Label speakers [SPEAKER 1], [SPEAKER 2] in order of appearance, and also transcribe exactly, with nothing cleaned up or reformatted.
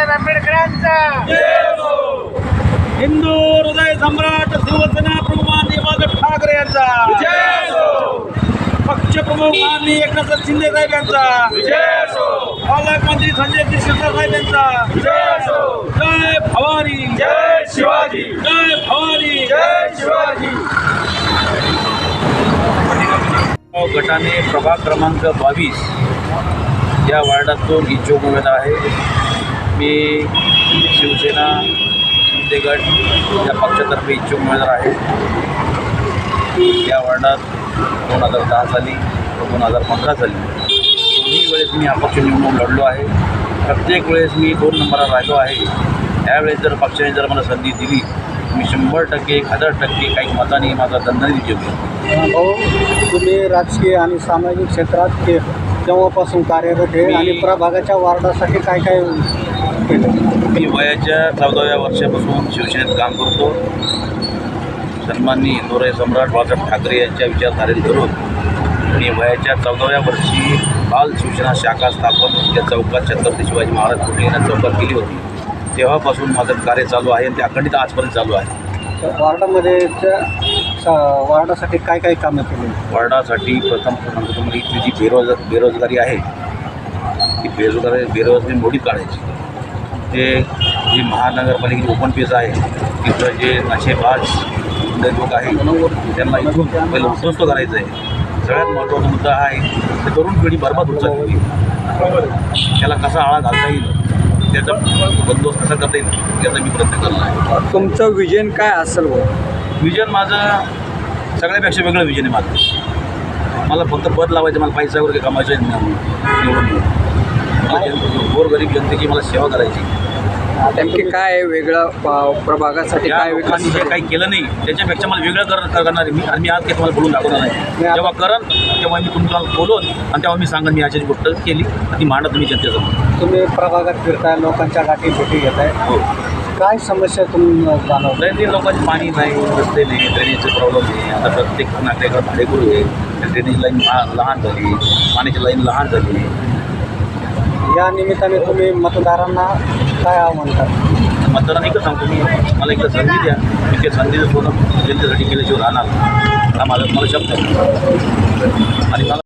[SPEAKER 1] बाबासाहेब आंबेडकरांचा
[SPEAKER 2] हिंदू हृदय सम्राट शिवसेना प्रमुख माननीय बाळासाहेब ठाकरे यांचा पक्ष प्रमुख माननीय एकनाथ शिंदे साहेब यांचा पालकमंत्री संजय शिरसाट साहेब यांचा जय भवानी
[SPEAKER 3] जय शिवाजी
[SPEAKER 2] जय भवानी
[SPEAKER 3] जय शिवाजी।
[SPEAKER 2] गटाने प्रभाग क्रमांक बावीस या वार्डातून इच्छुक उमेदवार आहे। मी शिवसेना शिंदे गट या पक्षातर्फे इच्छुक उमेदवार आहे। या वार्डात दोन हजार दहा साली दोन हजार पंधरा साली दोन्ही वेळेस मी अपक्ष निवडणूक लढलो आहे। प्रत्येक वेळेस मी दोन नंबरला राहिलो आहे। यावेळेस जर पक्षाने जर मला संधी दिली मी शंभर टक्के एक हजार टक्के काही मताने माझा दणदणीत विजय होईल।
[SPEAKER 4] भाऊ, तुम्ही राजकीय आणि सामाजिक क्षेत्रात के तेव्हापासून कार्यरत आहे आणि प्रभागाच्या वार्डासाठी काय काय केलं?
[SPEAKER 2] मी वयाच्या चौदाव्या वर्षापासून शिवसेनेत काम करतो। सन्माननीय हिंदू हृदय सम्राट बाळासाहेब ठाकरे यांच्या विचारधारेला धरून मी वयाच्या चौदाव्या वर्षी बाल शिवसेना शाखा स्थापन या चौकात छत्रपती शिवाजी महाराज पुणे यांना चौकात केली होती। तेव्हापासून माझं कार्य चालू आहे आणि ते अखंडित आजपर्यंत चालू आहे।
[SPEAKER 4] वार्डामध्ये वार्डासाठी काय काय कामं केली?
[SPEAKER 2] वार्डासाठी प्रथम सांगतो तुम्हाला इथली जी बेरोज बेरोजगारी आहे ती बेरोजगारी बेरोजगारी मोडीत काढायची। ते जी महानगरपालिकेची ओपन पेज आहे तिथं जे नशेबाज लोक आहेत त्यांना इथून पहिलं उद्ध्वस्त करायचं आहे। सगळ्यात महत्त्वाचा मुद्दा आहे ते तरुण पिढी बरबाद होत चालली, त्याला कसा आळा घालता येईल त्याचा बंदोबस्त कसा करता येईल याचा मी प्रयत्न करणार आहे।
[SPEAKER 4] तुमचं विजन काय असेल?
[SPEAKER 2] विजन माझं सगळ्यापेक्षा वेगळं विजन आहे माझं। मला फक्त पद लावायचं, मला पैसा वगैरे कमायचं आहे निवडून मला गोरगरीब जनतेची मला सेवा करायची।
[SPEAKER 4] नेमकी काय वेगळं प्रभागासाठी
[SPEAKER 2] या
[SPEAKER 4] काय
[SPEAKER 2] लोकांनी जे काही केलं नाही त्याच्यापेक्षा मला वेगळं कर करणार आहे मी आणि मी आज काही तुम्हाला बोलून दाखवणार नाही। जेव्हा करन तेव्हा मी तुम्हाला बोलून आणि तेव्हा मी सांगेन मी याची गोष्ट केली ती मांडा तुम्ही जनतेसमोर।
[SPEAKER 4] तुम्ही प्रभागात फिरताय, लोकांच्या गाठी भेटी घेत आहे,
[SPEAKER 2] हो
[SPEAKER 4] काय समस्या तुम्ही जाणवत?
[SPEAKER 2] दैनंदिन लोकांची पाणी नाही, रस्ते नाही, ड्रेनेजचे प्रॉब्लेम आहे। आता प्रत्येक नागरिकाला भाडेकरू आहे, ड्रेनेज लाईन लहान झाली, पाण्याची लाईन लहान झाली।
[SPEAKER 4] या निमित्ताने तुम्ही मतदारांना काय आव्हान करता?
[SPEAKER 2] मतदारांना एकच सांगतो मी, मला एकदा संधी द्या, मी त्या संधीचं सोनं जनतेसाठी केल्याशिवाय राहणार हा माझा मला शब्द आहे आणि मला